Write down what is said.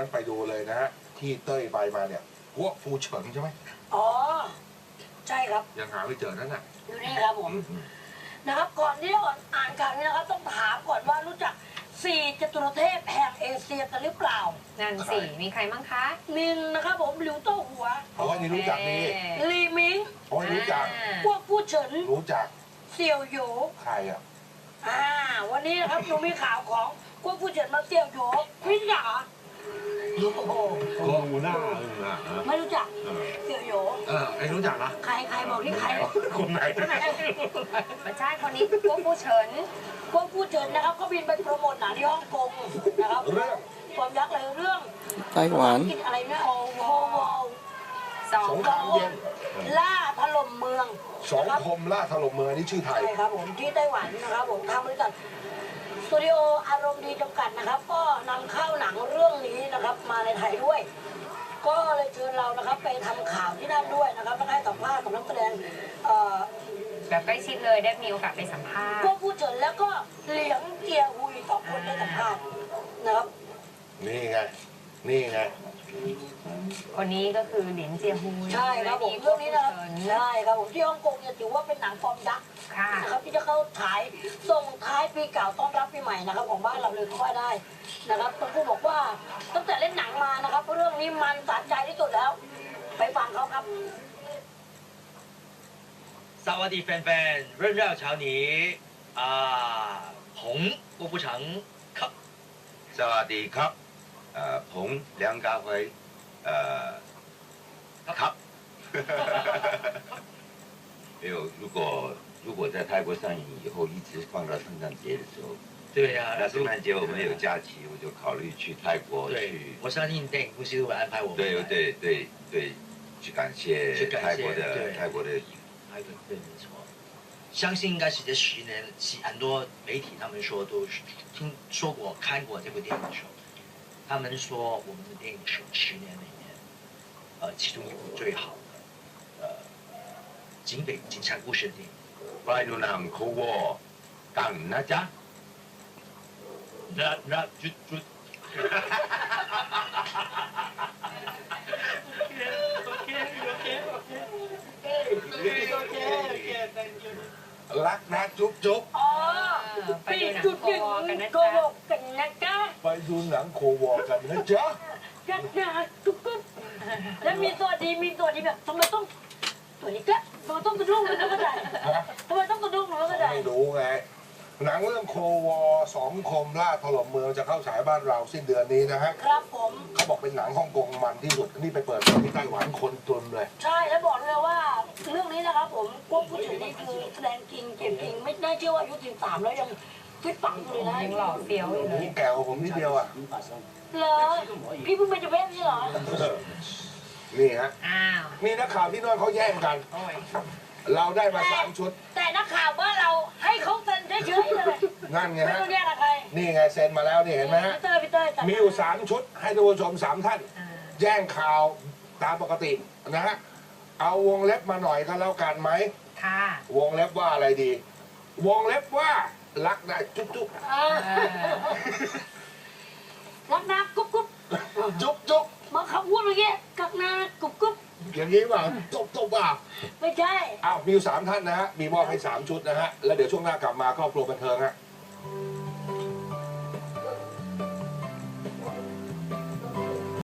งั้นไปดูเลยนะฮะที่เต้ยไปมาเนี่ยพวกฟูเฉิงใช่ไหมอ๋อใช่ครับยังหาไม่เจอนั่นน่ะอยู่นี่ครับผมนะครับก่อนที่จะอ่านข่าวนี้นะครับต้องถามก่อนว่ารู้จัก4จตุรเทพแห่งเอเชียกันหรือเปล่านั่นสิมีใครบ้างคะนินนะครับผมหลิวโต้หัวเพราะว่านี่รู้จักนี่ลีมิงเพราะว่ารู้จักพวกผู้เฉินรู้จักเสี่ยวโหยใครอ่ะวันนี้นะครับหนูมีข่าวของพวกผู้เฉินมาเสี่ยวโหยไม่รู้จักเหรอโอ้โหก็รู้หน้าเลยนะไม่รู้จักเสี่ยวโหยไอ้รู้จักนะใครบอกที่ใครคนไหนไม่ใช่คนนี้พวกผู้เฉินพวกผู้เฉินนะครับก็บินไปโปรโมทหนังที่ฮ่องกงนะครับเรื่องความยักษ์เลยเรื่องไต้หวันกินอะไรนะโอวอลสองสงครามเย็นล่าถล่มเมืองสองคมล่าถล่มเมืองนี่ชื่อไทยใช่ครับผมที่ไต้หวันนะครับผมทางบริษัทสตูดิโออารมณ์ดีจำกัดนะครับ ก็นำเข้าหนังเรื่องนี้นะครับมาในไทยด้วย ก็เลยเชิญเรานะครับไปทำข่าวที่นั่นด้วยนะครับแล้วให้สัมภาษณ์กับนักแสดงแบบใกล้ชิดเลยได้มีโอกาสไปสัมภาษพวณ์กผู้เฉินแล้วก็เหลียงเจียหุย2 คนได้สัมภาษณ์นะครับนี่ไง นี่ไงคนนี้ก็คือเหรียญเจียฮูใช่ครับผมเรื่องนี้นะครับใช่ครับผมที่ฮ่องกงเนี่ยถือว่าเป็นหนังฟอร์มยักษ์ค่ะนะครับที่จะเข้าฉายส่งท้ายปีเก่าต้อนรับปีใหม่นะครับของบ้านเราเลยก็ว่าได้นะครับต้องพูดบอกว่าตั้งแต่เล่นหนังมานะครับเรื่องนี้มันสะใจที่สุดแล้ว ไปฟังเขาครับสวัสดีแฟนๆเรื่องเล่าเช้านี้ผม郭富城ครับสวัสดีครับผม梁家辉ครับ没有如果在泰国上映以后一直放到圣诞节的时候对呀、 那圣诞节我们有假期我就考虑去泰国对去我相信电影公司会安排我们对对对对去感谢泰国的对没错相信应该是这10年很多媒体他们说都听说过看过这部电影的时候他们说我们的电影是10年里面其中一部最好的警察故事的电影ไปดูหนังโควอกันนะจ๊ะจุดรักนะจุ๊บจุ๊บอ๋อไปปีดูหนังจุดโคหนึ่งกันนะโกจ๊ะหกกันนะจ๊ะไปดูหนังโควอกันนะจ๊ะยักษ์นะจุ๊บจุ๊บแล้วมีตัวดีแบบทำไมต้องตัวนี้ก็ทำไมต้องกระดุ้งหนูไม่เข้าใจทำไมต้องกระดุ้งหนูไม่เข้าใจไม่รู้ไง หนังเรื่องโควอสองคมล่าถล่มเมืองจะเข้าฉายบ้านเราสิ้นเดือนนี้นะฮะครับผมเขาบอกเป็นหนังฮ่องกงมันที่สุดนี่ไปเปิดที่ไต้หวันคนตุนเลยใช่แล้วบอกเลยว่าเรื่องนี้นะครับผมพวกผู้ชายนี่คือแสดงจริงเก่งจริงไม่น่าเชื่อว่าอายุ13แล้วยังฟิตปังอยู่เลยนะยังหล่อเฟี้ยวอยู่เลยแก่กว่าผมนิดเดียวอ่ะเหรอพี่เพิ่งเป็นเจ้าเพศใช่เหรอนี่ฮะอ้าวมีนักข่าวที่โนอนเขาแย่งกันโอ้ยเราได้มา3 ชุดแต่นักข่าวบ้านเราให้เขาเซ็นเฉยๆเลยนั่นไงไม่ฮะต้องแยกกับใครนี่ไงเซ็นมาแล้วนี่เห็นไหมฮะพี่เต้ยจัดมีอยู่3 ชุด ให้ท่านผู้ชม3 ท่านอ่าแย่งข่าวตามปกตินะฮะ เอาวงเล็บมาหน่อยก็แล้วกันไหมค่ะวงเล็บว่าอะไรดี วงเล็บว่ารักนะจุ๊บจุ๊บรักนะกุ๊บกุ๊บจุ๊บจุ๊บมาคำพูดเมื่อกี้กักนะกุ๊บกุ๊บอย่างนี้ว่าจุ๊บจุ๊บว่าไม่ใช่อ้าวมีอยู่3 ท่านนะฮะ มีมอบให้3 ชุดนะฮะ แล้วเดี๋ยวช่วงหน้ากลับมาครอบครัวบันเทิงฮะ